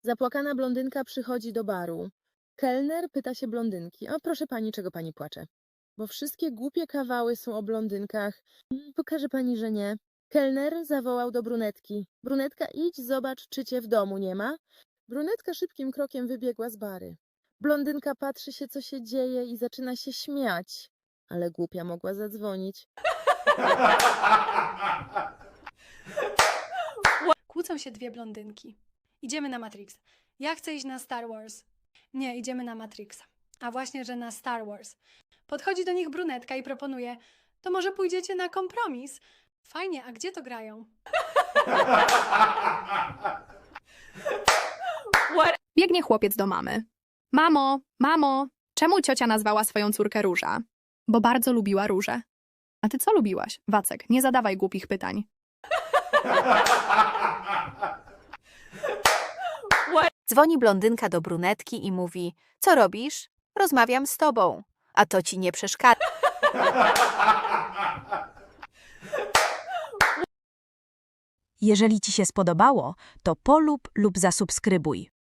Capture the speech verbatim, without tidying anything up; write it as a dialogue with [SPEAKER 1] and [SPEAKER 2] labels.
[SPEAKER 1] Zapłakana blondynka przychodzi do baru. Kelner pyta się blondynki: o, proszę pani, czego pani płacze? Bo wszystkie głupie kawały są o blondynkach. "Mm, Pokaże pani, że nie. Kelner zawołał do brunetki: brunetka, idź, zobacz, czy cię w domu nie ma. Brunetka szybkim krokiem wybiegła z bary. Blondynka patrzy się, co się dzieje, i zaczyna się śmiać. Ale głupia mogła zadzwonić.
[SPEAKER 2] Kłócą się dwie blondynki. Idziemy na Matrixa. Ja chcę iść na Star Wars. Nie, idziemy na Matrixa. A właśnie, że na Star Wars. Podchodzi do nich brunetka i proponuje: to może pójdziecie na kompromis? Fajnie, a gdzie to grają?
[SPEAKER 3] Biegnie chłopiec do mamy. Mamo, mamo, czemu ciocia nazwała swoją córkę Róża? Bo bardzo lubiła róże. A ty co lubiłaś? Wacek, nie zadawaj głupich pytań.
[SPEAKER 4] Dzwoni blondynka do brunetki i mówi: co robisz? Rozmawiam z tobą. A to ci nie przeszkadza.
[SPEAKER 5] Jeżeli ci się spodobało, to polub lub zasubskrybuj.